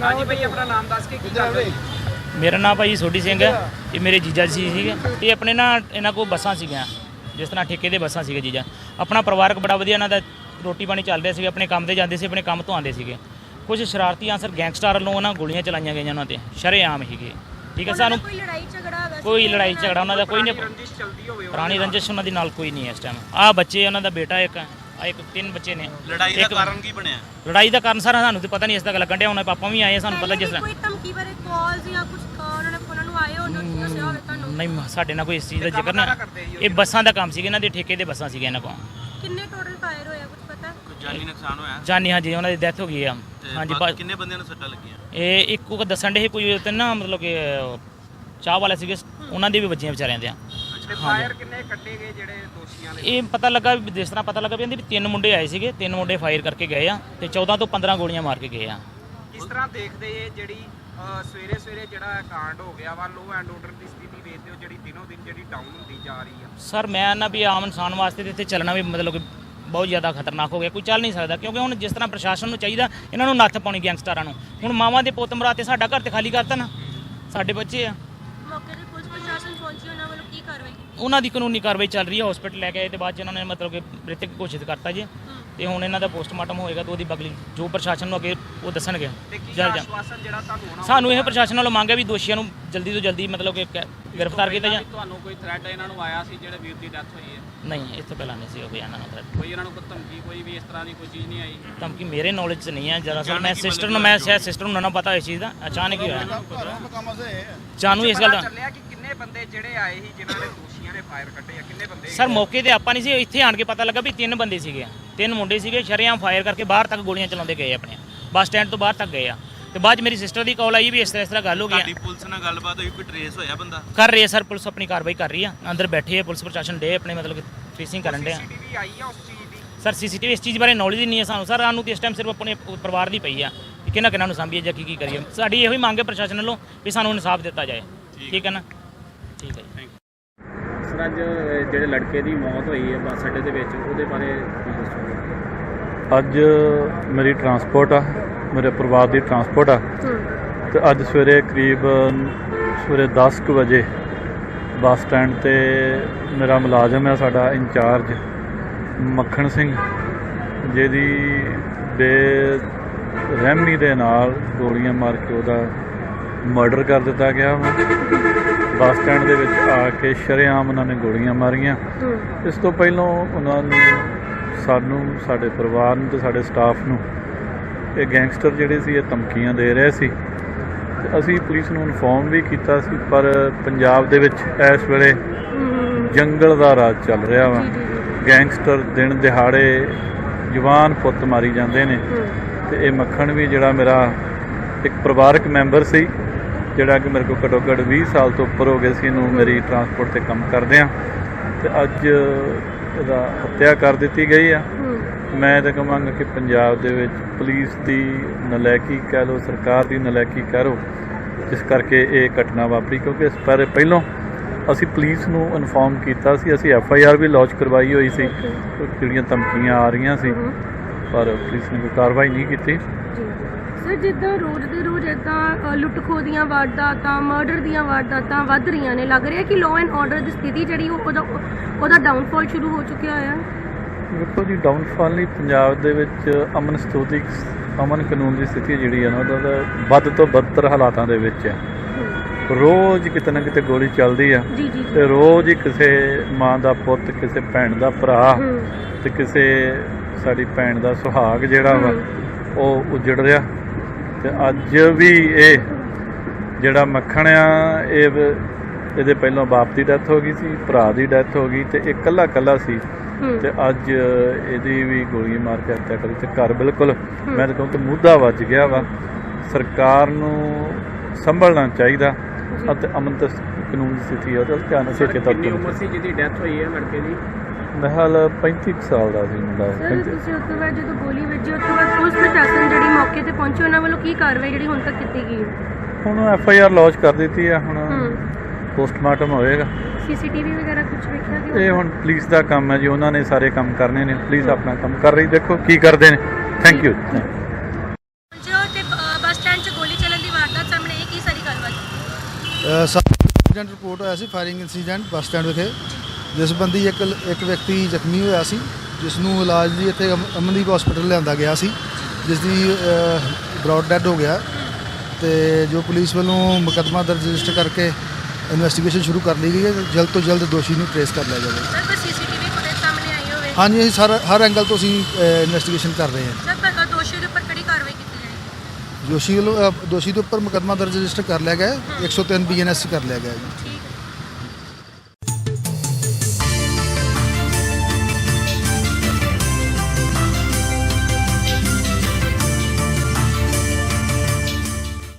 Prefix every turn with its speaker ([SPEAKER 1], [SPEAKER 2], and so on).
[SPEAKER 1] ਹਾਂਜੀ ਭਾਈ ਆਪਣਾ ਨਾਮ ਦੱਸ ਕੇ ਕੀ ਕਰਦੇ ਜੀ?
[SPEAKER 2] ਮੇਰਾ ਨਾਮ ਭਾਈ ਸੋਢੀ ਸਿੰਘ ਹੈ। ਇਹ ਮੇਰੇ ਜੀਜਾ ਜੀ ਸੀਗੇ। ਇਹ ਆਪਣੇ ਨਾ ਇਹਨਾਂ ਕੋਲ ਬੱਸਾਂ ਸੀਗੀਆਂ, ਜਿਸ ਤਰ੍ਹਾਂ ਠੇਕੇ ਦੇ ਬੱਸਾਂ ਸੀਗੇ। ਜੀਜਾ ਆਪਣਾ ਪਰਿਵਾਰਕ ਬੜਾ ਵਧੀਆ ਇਹਨਾਂ ਦਾ ਰੋਟੀ ਪਾਣੀ ਚੱਲ ਰਿਹਾ ਸੀ। ਆਪਣੇ ਕੰਮ ਤੇ ਜਾਂਦੇ ਸੀ, ਆਪਣੇ ਕੰਮ ਤੋਂ ਆਉਂਦੇ ਸੀਗੇ। ਕੁਝ ਸ਼ਰਾਰਤੀ ਆਂਸਰ ਗੈਂਗਸਟਰ ਵੱਲੋਂ ਉਹਨਾਂ ਗੋਲੀਆਂ ਚਲਾਈਆਂ ਗਈਆਂ ਉਹਨਾਂ ਤੇ ਸ਼ਰੇਆਮ ਹੀਗੇ। ਠੀਕ ਹੈ, ਸਾਨੂੰ ਕੋਈ ਲੜਾਈ ਝਗੜਾ ਉਹਨਾਂ ਦਾ ਕੋਈ ਨਹੀਂ,
[SPEAKER 1] ਰੰਜਿਸ਼ ਚੱਲਦੀ ਹੋਵੇ
[SPEAKER 2] ਪੁਰਾਣੀ ਰੰਜਿਸ਼ ਉਹਨਾਂ ਦੀ ਨਾਲ ਕੋਈ ਨਹੀਂ ਹੈ ਇਸ ਟਾਈਮ। ਆਹ ਬੱਚੇ ਉਹਨਾਂ ਦਾ ਬੇਟਾ ਇੱਕ ਇੱਕ 3 ਬੱਚੇ ਨੇ।
[SPEAKER 3] ਲੜਾਈ ਦਾ ਕਾਰਨ ਕੀ ਬਣਿਆ?
[SPEAKER 2] ਲੜਾਈ ਦਾ ਕਾਰਨ ਸਾਰਾ ਸਾਨੂੰ ਤੇ ਪਤਾ ਨਹੀਂ, ਇਸ ਤੱਕ ਲੱਗਣ ਡਿਆ। ਉਹਨਾਂ ਪਾਪਾ ਵੀ ਆਏ, ਸਾਨੂੰ ਪਤਾ ਜਿਸ ਤਰ੍ਹਾਂ
[SPEAKER 4] ਕੋਈ ਧਮਕੀ ਬਾਰੇ ਕਾਲਸ ਜਾਂ ਕੁਝ ਉਹਨਾਂ ਨੂੰ ਆਏ ਹੋਣ ਦੱਸਿਆ ਹੋਵੇ ਤੁਹਾਨੂੰ?
[SPEAKER 2] ਨਹੀਂ, ਸਾਡੇ ਨਾਲ ਕੋਈ ਇਸ ਚੀਜ਼ ਦਾ ਜ਼ਿਕਰ ਨਾ। ਇਹ ਬੱਸਾਂ ਦਾ ਕੰਮ ਸੀਗਾ, ਇਹਨਾਂ ਦੇ ਠੇਕੇ ਦੇ ਬੱਸਾਂ ਸੀਗੇ ਇਹਨਾਂ ਕੋਲ।
[SPEAKER 4] ਕਿੰਨੇ ਟੋਟਲ ਫਾਇਰ ਹੋਇਆ ਕੁਝ ਪਤਾ?
[SPEAKER 3] ਜਾਨੀ ਨੁਕਸਾਨ ਹੋਇਆ?
[SPEAKER 2] ਜਾਨੀ, ਹਾਂਜੀ, ਉਹਨਾਂ ਦੀ ਡੈਥ ਹੋ ਗਈ ਆ। ਹਾਂਜੀ,
[SPEAKER 3] ਕਿੰਨੇ ਬੰਦਿਆਂ ਨੂੰ ਸੱਟਾਂ ਲੱਗੀਆਂ?
[SPEAKER 2] ਇਹ ਇੱਕੋ ਦੱਸਣ ਦੇ ਕੋਈ ਤੇ ਨਾ, ਮਤਲਬ ਕਿ ਚਾਹ ਵਾਲੇ ਸੀਗੇ, ਉਹਨਾਂ ਦੇ ਵੀ ਬੱਚੀਆਂ ਵਿਚਾਰਿਆਂ ਦੇ ਆ।
[SPEAKER 1] ਫਾਇਰ ਕਿੰਨੇ ਕੱਢੇ ਗਏ ਜਿਹੜੇ ਦੋਸ਼ੀਆਂ ਨੇ?
[SPEAKER 2] ਇਹ ਪਤਾ ਲੱਗਾ ਵੀ ਜਿਸ ਤਰ੍ਹਾਂ ਪਤਾ ਲੱਗਾ ਵੀ ਇਹਦੇ ਵੀ 3 ਮੁੰਡੇ ਆਏ ਸੀਗੇ। 3 ਮੁੰਡੇ ਫਾਇਰ ਕਰਕੇ ਗਏ ਆ ਤੇ 14 ਤੋਂ 15 ਗੋਲੀਆਂ ਮਾਰ ਕੇ ਗਏ ਆ।
[SPEAKER 1] ਕਿਸ ਤਰ੍ਹਾਂ ਦੇਖਦੇ ਇਹ ਜਿਹੜੀ ਸਵੇਰੇ ਸਵੇਰੇ ਜਿਹੜਾ ਕਾਂਡ ਹੋ ਗਿਆ ਵਾ, ਲੋ ਐਂਡ ਆਰਡਰ ਦੀ ਸਥਿਤੀ ਵੇਖਦੇ ਹੋ ਜਿਹੜੀ ਦਿਨੋਂ ਦਿਨ ਜਿਹੜੀ ਡਾਊਨ ਹੁੰਦੀ ਜਾ ਰਹੀ ਆ?
[SPEAKER 2] ਸਰ ਮੈਂ ਨਾ ਵੀ ਆਮ ਇਨਸਾਨ ਵਾਸਤੇ ਤੇ ਇੱਥੇ ਚੱਲਣਾ ਵੀ ਮਤਲਬ ਕਿ ਬਹੁਤ ਜ਼ਿਆਦਾ ਖਤਰਨਾਕ ਹੋ ਗਿਆ। ਕੋਈ ਚੱਲ ਨਹੀਂ ਸਕਦਾ, ਕਿਉਂਕਿ ਹੁਣ ਜਿਸ ਤਰ੍ਹਾਂ ਪ੍ਰਸ਼ਾਸਨ ਨੂੰ ਚਾਹੀਦਾ ਇਹਨਾਂ ਨੂੰ ਨੱਥ ਪਾਉਣੀ ਗੈਂਗਸਟਰਾਂ ਨੂੰ। ਹੁਣ ਮਾਵਾਂ ਦੇ ਪੁੱਤ ਮਰਾ ਤੇ ਸਾਡਾ ਘਰ ਤੇ ਖਾਲੀ ਕਰਤਾ ਨਾ, ਸਾਡੇ ਬੱਚੇ ਆ।
[SPEAKER 4] ਮੌਕੇ ਤੇ ਪੁਲਿਸ ਪ੍ਰਸ਼ਾਸਨ ਪਹੁੰਚੀ, ਉਹਨਾਂ ਵੱਲੋਂ ਕੀ ਕਾਰਵਾਈ ਕੀਤੀ?
[SPEAKER 2] ਉਹਨਾਂ ਦੀ ਕਾਨੂੰਨੀ ਕਾਰਵਾਈ ਚੱਲ ਰਹੀ ਹੈ। ਹਸਪੀਟਲ ਲੈ ਕੇ ਆਏ ਤੇ ਬਾਅਦ ਚ ਇਹਨਾਂ ਨੇ ਮਤਲਬ ਕਿ ਮ੍ਰਿਤਕ ਘੋਸ਼ਿਤ ਕਰਤਾ ਜੀ। ਤੇ ਹੁਣ ਇਹਨਾਂ ਦਾ ਪੋਸਟਮਾਰਟਮ ਹੋਏਗਾ ਤੇ ਉਹਦੀ ਬਗਲੀ ਜੋ ਪ੍ਰਸ਼ਾਸਨ ਨੂੰ ਅੱਗੇ ਉਹ ਦੱਸਣਗੇ।
[SPEAKER 1] ਤੇ ਕੀ
[SPEAKER 2] ਜਲਦ
[SPEAKER 1] ਆਸ਼ਵਾਸਨ ਜਿਹੜਾ ਤੁਹਾਨੂੰ ਹੋਣਾ?
[SPEAKER 2] ਸਾਨੂੰ ਇਹ ਪ੍ਰਸ਼ਾਸਨ ਵੱਲੋਂ ਮੰਗ ਹੈ ਵੀ ਦੋਸ਼ੀਆਂ ਨੂੰ ਜਲਦੀ ਤੋਂ ਜਲਦੀ ਮਤਲਬ ਕਿ ਗ੍ਰਿਫਤਾਰ ਕੀਤਾ ਜਾਏ।
[SPEAKER 1] ਤੁਹਾਨੂੰ ਕੋਈ ਥ੍ਰੈਟ ਇਹਨਾਂ ਨੂੰ ਆਇਆ ਸੀ ਜਿਹੜੇ ਵੀਰ ਦੀ ਡੈਥ ਹੋਈ ਹੈ?
[SPEAKER 2] ਨਹੀਂ, ਇਸ ਤੋਂ ਪਹਿਲਾਂ ਨਹੀਂ ਸੀ ਕੋਈ ਇਹਨਾਂ ਨੂੰ threat।
[SPEAKER 1] ਕੋਈ ਇਹਨਾਂ ਨੂੰ ਕੋਈ ਧਮਕੀ ਕੋਈ ਵੀ ਇਸ ਤਰ੍ਹਾਂ ਦੀ ਕੋਈ ਚੀਜ਼ ਨਹੀਂ ਆਈ?
[SPEAKER 2] ਧਮਕੀ ਮੇਰੇ ਨੌਲੇਜ 'ਚ ਨਹੀਂ ਹੈ। ਦਰਅਸਲ ਮੈਂ ਸਿਸਟਰ ਨੂੰ, ਮੈਂ ਸ਼ਾਇਦ ਸਿਸਟਰ ਨੂੰ ਨਾ ਪਤਾ ਇਸ ਚੀਜ਼ ਦਾ, ਅਚਾਨਕ ਹੀ ਹੋਇਆ ਜਾਨੂੰ ਇਸ ਗੱਲ ਦਾ।
[SPEAKER 1] ਚੱਲਿਆ ਕਿ ਕਿੰਨੇ ਬੰਦੇ ਜਿਹੜੇ ਆਏ ਸੀ ਜਿਨ੍ਹਾਂ ਨੇ ਦੋਸ਼ੀਆਂ ਨੇ ਫਾਇਰ ਕੱਢੇ ਆ, ਕਿੰਨੇ ਬੰਦੇ?
[SPEAKER 2] ਸਰ ਮੌਕੇ ਤੇ ਆਪਾਂ ਨਹੀਂ ਸੀ, ਇੱਥੇ ਆਣ ਕੇ ਪਤਾ ਲੱਗਾ ਵੀ 3 ਬੰਦੇ ਸੀਗੇ। 3 ਮੁੰਡੇ ਸੀਗੇ, ਸ਼ਰੇਆਮ ਫਾਇਰ ਕਰਕੇ ਬਾਹਰ ਤੱਕ ਗੋਲੀਆਂ ਚਲਾਉਂਦੇ ਗਏ, ਆਪਣੇ ਬੱਸ ਸਟੈਂਡ ਤੋਂ ਬਾਹਰ ਤੱਕ ਗਏ ਆ। ਤੇ ਬਾਅਦ 'ਚ ਮੇਰੀ ਸਿਸਟਰ ਦੀ ਕਾਲ ਆਈ ਵੀ ਇਸ ਤਰ੍ਹਾਂ ਗੱਲ ਹੋ ਗਈ।
[SPEAKER 3] ਸਾਡੀ ਪੁਲਿਸ ਨਾਲ ਗੱਲਬਾਤ ਹੋਈ, ਕੋਈ ਟ੍ਰੇਸ ਹੋਇਆ ਬੰਦਾ?
[SPEAKER 2] ਕਰ ਰਹੀ ਹੈ ਸਰ, ਪੁਲਿਸ ਆਪਣੀ ਕਾਰਵਾਈ ਕਰ ਰਹੀ ਆ। ਅੰਦਰ ਬੈਠੇ ਆ ਪੁਲਿਸ ਪ੍ਰਸ਼ਾਸਨ ਡੇ ਆਪਣੇ ਮਤਲਬ ਕਿ ਫੇਸਿੰਗ ਕਰਨ ਡੇ ਆ।
[SPEAKER 1] ਸੀਸੀਟੀਵੀ ਆਈ ਆ ਉਸ ਚੀਜ਼ ਦੀ?
[SPEAKER 2] ਸਰ ਸੀਸੀਟੀਵੀ ਇਸ ਚੀਜ਼ ਬਾਰੇ ਨੌਲੇਜ ਹੀ ਨਹੀਂ ਹੈ ਸਾਨੂੰ। ਸਰ ਸਾਨੂੰ ਤੇ ਇਸ ਟਾਈਮ ਸਿਰਫ ਆਪਣੇ ਪਰਿਵਾਰ ਦੀ ਪਈ ਆ ਕਿ ਕਿਹਨਾਂ ਨੂੰ ਸਾਂਭੀਏ ਜਾਂ ਕੀ ਕਰੀਏ। ਸਾਡੀ ਇਹੋ ਹੀ ਮੰਗ ਹੈ ਪ੍ਰਸ਼ਾਸਨ ਵੱਲੋਂ ਵੀ ਸਾਨੂੰ ਇਨਸਾਫ ਦਿੱਤਾ ਜਾਏ। ਠੀਕ ਹੈ ਨਾ? ਠੀਕ ਹੈ ਜੀ।
[SPEAKER 1] ਸਰ ਅੱਜ ਜਿਹੜੇ ਲੜਕੇ ਦੀ ਮੌਤ ਹੋਈ ਹੈ ਬੱਸ ਅੱਡੇ ਦੇ ਵਿੱਚ, ਉਹਦੇ ਬਾਰੇ ਕੀ ਦੱਸੋਗੇ?
[SPEAKER 5] ਅੱਜ ਮੇਰੀ ਟਰਾਂਸਪੋਰਟ ਆ, ਮੇਰੇ ਪਰਿਵਾਰ ਦੀ ਟਰਾਂਸਪੋਰਟ ਆ। ਤੇ ਅੱਜ ਸਵੇਰੇ ਕਰੀਬ ਸਵੇਰੇ 10 ਕੁ ਵਜੇ ਬੱਸ ਸਟੈਂਡ ਤੇ ਮੇਰਾ ਮੁਲਾਜ਼ਮ ਹੈ, ਸਾਡਾ ਇੰਚਾਰਜ ਮੱਖਣ ਸਿੰਘ, ਜਿਹਦੀ ਬੇਰਹਿਮੀ ਦੇ ਨਾਲ ਗੋਲੀਆਂ ਮਾਰ ਕੇ ਉਹਦਾ ਮਰਡਰ ਕਰ ਦਿੱਤਾ ਗਿਆ ਵਾ। ਬੱਸ ਸਟੈਂਡ ਦੇ ਵਿੱਚ ਆ ਕੇ ਸ਼ਰੇਆਮ ਉਹਨਾਂ ਨੇ ਗੋਲੀਆਂ ਮਾਰੀਆਂ। ਇਸ ਤੋਂ ਪਹਿਲਾਂ ਉਹਨਾਂ ਨੂੰ, ਸਾਨੂੰ, ਸਾਡੇ ਪਰਿਵਾਰ ਨੂੰ ਤੇ ਸਾਡੇ ਸਟਾਫ ਨੂੰ ਇਹ ਗੈਂਗਸਟਰ ਜਿਹੜੇ ਸੀ ਇਹ ਧਮਕੀਆਂ ਦੇ ਰਹੇ ਸੀ। ਤੇ ਅਸੀਂ ਪੁਲਿਸ ਨੂੰ ਇਨਫੋਰਮ ਵੀ ਕੀਤਾ ਸੀ, ਪਰ ਪੰਜਾਬ ਦੇ ਵਿੱਚ ਇਸ ਵੇਲੇ ਜੰਗਲ ਦਾ ਰਾਜ ਚੱਲ ਰਿਹਾ ਵਾ। ਗੈਂਗਸਟਰ ਦਿਨ ਦਿਹਾੜੇ ਜਵਾਨ ਪੁੱਤ ਮਾਰੀ ਜਾਂਦੇ ਨੇ। ਤੇ ਇਹ ਮੱਖਣ ਵੀ ਜਿਹੜਾ ਮੇਰਾ ਇੱਕ ਪਰਿਵਾਰਕ ਮੈਂਬਰ ਸੀ, ਜਿਹੜਾ ਕਿ ਮੇਰੇ ਕੋਲ ਘੱਟੋ ਘੱਟ 20 ਸਾਲ ਤੋਂ ਉੱਪਰ ਹੋ ਗਏ ਸੀ ਇਹਨੂੰ ਮੇਰੀ ਟਰਾਂਸਪੋਰਟ 'ਤੇ ਕੰਮ ਕਰਦਿਆਂ, ਤੇ ਅੱਜ ਇਹਦਾ ਹੱਤਿਆ ਕਰ ਦਿੱਤੀ ਗਈ ਆ। ਮੈਂ ਤਾਂ ਕਹਾਂਗਾ ਕਿ ਪੰਜਾਬ ਦੇ ਵਿੱਚ ਪੁਲਿਸ ਦੀ ਨਲਾਇਕੀ ਕਹਿ ਲਓ, ਸਰਕਾਰ ਦੀ ਨਲਾਇਕੀ ਕਹਿ ਲਓ, ਜਿਸ ਕਰਕੇ ਇਹ ਘਟਨਾ ਵਾਪਰੀ। ਕਿਉਂਕਿ ਇਸ ਬਾਰੇ ਪਹਿਲਾਂ ਅਸੀਂ ਪੁਲਿਸ ਨੂੰ ਇਨਫੋਰਮ ਕੀਤਾ ਸੀ, ਅਸੀਂ FIR ਵੀ ਲੌਂਚ ਕਰਵਾਈ ਹੋਈ ਸੀ, ਜਿਹੜੀਆਂ ਧਮਕੀਆਂ ਆ ਰਹੀਆਂ ਸੀ, ਪਰ ਪੁਲਿਸ ਨੇ ਕੋਈ ਕਾਰਵਾਈ ਨਹੀਂ ਕੀਤੀ।
[SPEAKER 4] ਸਰ ਜਿੱਦਾਂ ਰੋਜ਼ ਦੇ ਰੋਜ਼ ਇੱਦਾਂ ਲੁੱਟ ਖੋਹ ਦੀਆਂ ਵਾਰਦਾਤਾਂ, ਮਰਡਰ ਦੀਆਂ ਵਾਰਦਾਤਾਂ ਵੱਧ ਰਹੀਆਂ ਨੇ, ਲੱਗ ਰਿਹਾ ਕਿ ਲਾਅ ਐਂਡ ਆਰਡਰ ਦੀ ਸਥਿਤੀ ਜਿਹੜੀ ਉਹਦਾ ਡਾਊਨਫਾਲ ਸ਼ੁਰੂ ਹੋ ਚੁੱਕਿਆ ਹੋਇਆ?
[SPEAKER 5] ਦੇਖੋ ਜੀ, ਡਾਊਨਫਾਲ ਨਹੀਂ, ਪੰਜਾਬ ਦੇ ਵਿੱਚ ਅਮਨ ਕਾਨੂੰਨ ਦੀ ਸਥਿਤੀ ਜਿਹੜੀ ਹੈ ਨਾ, ਉਹਦਾ ਵੱਧ ਤੋਂ ਬਦਤਰ ਹਾਲਾਤਾਂ ਦੇ ਵਿੱਚ ਹੈ। ਰੋਜ਼ ਕਿਤੇ ਨਾ ਕਿਤੇ ਗੋਲੀ ਚੱਲਦੀ ਆ, ਤੇ ਰੋਜ਼ ਹੀ ਕਿਸੇ ਮਾਂ ਦਾ ਪੁੱਤ, ਕਿਸੇ ਭੈਣ ਦਾ ਭਰਾ, ਤੇ ਕਿਸੇ ਸਾਡੀ ਭੈਣ ਦਾ ਸੁਹਾਗ ਜਿਹੜਾ ਵਾ ਉਹ ਉਜੜ ਰਿਹਾ। ਤੇ ਅੱਜ ਵੀ ਇਹ ਜਿਹੜਾ ਮੱਖਣ ਆ, ਇਹਦੇ ਪਹਿਲਾਂ ਬਾਪ ਦੀ ਡੈਥ ਹੋ ਗਈ ਸੀ, ਭਰਾ ਦੀ ਡੈਥ ਹੋ ਗਈ, ਤੇ ਇਹ ਇਕੱਲਾ ਸੀ। ਤੇ ਅੱਜ ਇਹਦੀ ਵੀ ਗੋਲੀ ਮਾਰ ਕੇ ਹੱਤਿਆ ਕਰੀ। ਤੇ ਘਰ ਬਿਲਕੁਲ ਮੈਂ ਤਾਂ ਕਹੂੰ ਤਾਂ ਮੁੱਦਾ ਵੱਜ ਗਿਆ ਵਾ। ਸਰਕਾਰ ਨੂੰ ਸੰਭਲਣਾ ਚਾਹੀਦਾ ਅਤੇ ਅਮਨ ਤੇ ਕਾਨੂੰਨ ਦੀ ਸਥਿਤੀ ਉਹਦਾ ਧਿਆਨ ਰੱਖੇ।
[SPEAKER 1] ਕਿੰਨੀ ਉਮਰ ਸੀ ਜਿਹਦੀ ਡੈਥ ਹੋਈ ਹੈ ਲੜਕੇ ਦੀ?
[SPEAKER 5] ਮੇਰੇ ਖਿਆਲ 35 ਸਾਲ ਦਾ ਸੀ ਮੁੰਡਾ।
[SPEAKER 4] ਤੁਸੀਂ ਉਸ ਤੋਂ ਬਾਅਦ ਜਦੋਂ ਗੋਲੀ ਵੱਜੀ, ਉਸ ਤੋਂ ਬਾਅਦ ਪੁਲਿਸ ਪ੍ਰਸ਼ਾਸਨ ਜਿਹੜੀ ਮੌਕੇ ਤੇ ਪਹੁੰਚੀ, ਉਹਨਾਂ ਵੱਲੋਂ ਕੀ ਕਾਰਵਾਈ ਜਿਹੜੀ ਹੁਣ ਤੱਕ ਕੀਤੀ ਗਈ ਹੈ?
[SPEAKER 5] ਹੁਣ FIR ਲੌਂਚ ਕਰ ਦਿੱਤੀ ਆ, ਹੁਣ ਪੋਸਟਮਾਰਟਮ ਹੋਏਗਾ।
[SPEAKER 4] CCTV ਵਗੈਰਾ ਕੁਝ ਵੇਖਿਆ ਗਿਆ?
[SPEAKER 5] ਇਹ ਹੁਣ ਪੁਲਿਸ ਦਾ ਕੰਮ ਹੈ ਜੀ, ਉਹਨਾਂ ਨੇ ਸਾਰੇ ਕੰਮ ਕਰਨੇ ਨੇ। ਪੁਲਿਸ ਆਪਣਾ ਕੰਮ ਕਰ ਰਹੀ, ਦੇਖੋ ਕੀ ਕਰਦੇ ਨੇ। Thank you.
[SPEAKER 4] ਜੋ ਤੇ ਬੱਸ ਸਟੈਂਡ 'ਚ ਗੋਲੀ
[SPEAKER 6] ਇੰਸੀਡੈਂਟ ਰਿਪੋਰਟ ਹੋਇਆ ਸੀ ਫਾਇਰਿੰਗ ਇੰਸੀਡੈਂਟ ਬੱਸ ਸਟੈਂਡ ਵਿਖੇ, ਜਿਸ ਸੰਬੰਧੀ ਇੱਕ ਵਿਅਕਤੀ ਜ਼ਖਮੀ ਹੋਇਆ ਸੀ, ਜਿਸ ਨੂੰ ਇਲਾਜ ਲਈ ਇੱਥੇ ਅਮਨਦੀਪ ਹਸਪੀਟਲ ਲਿਆਂਦਾ ਗਿਆ ਸੀ, ਜਿਸ ਦੀ ਬ੍ਰੌਡ ਡੈਡ ਹੋ ਗਿਆ। ਤੇ ਜੋ ਪੁਲਿਸ ਵੱਲੋਂ ਮੁਕੱਦਮਾ ਦਰਜ ਰਜਿਸਟਰ ਕਰਕੇ ਇਨਵੈਸਟੀਗੇਸ਼ਨ ਸ਼ੁਰੂ ਕਰ ਲਈ ਗਈ ਹੈ। ਜਲਦ ਤੋਂ ਜਲਦ ਦੋਸ਼ੀ ਨੂੰ ਟ੍ਰੇਸ ਕਰ ਲਿਆ ਜਾਵੇ।
[SPEAKER 4] ਸਰ ਕੋਈ ਸੀਸੀਟੀਵੀ ਫੁਟੇਜ ਸਾਹਮਣੇ ਆਈ ਹੋਵੇ?
[SPEAKER 6] ਹਾਂਜੀ, ਅਸੀਂ ਹਰ ਐਂਗਲ ਤੋਂ ਅਸੀਂ ਇਨਵੈਸਟੀਗੇਸ਼ਨ ਕਰ ਰਹੇ ਹਾਂ।
[SPEAKER 4] ਸਰ ਪਰ ਦੋਸ਼ੀ ਦੇ ਉੱਪਰ ਕਿਹੜੀ ਕਾਰਵਾਈ ਕੀਤੀ ਜਾਏਗੀ?
[SPEAKER 6] ਦੋਸ਼ੀ ਦੇ ਉੱਪਰ ਮੁਕੱਦਮਾ ਦਰਜ ਰਜਿਸਟਰ ਕਰ ਲਿਆ ਗਿਆ ਹੈ, 103 BNS ਕਰ ਲਿਆ ਗਿਆ ਹੈ ਜੀ।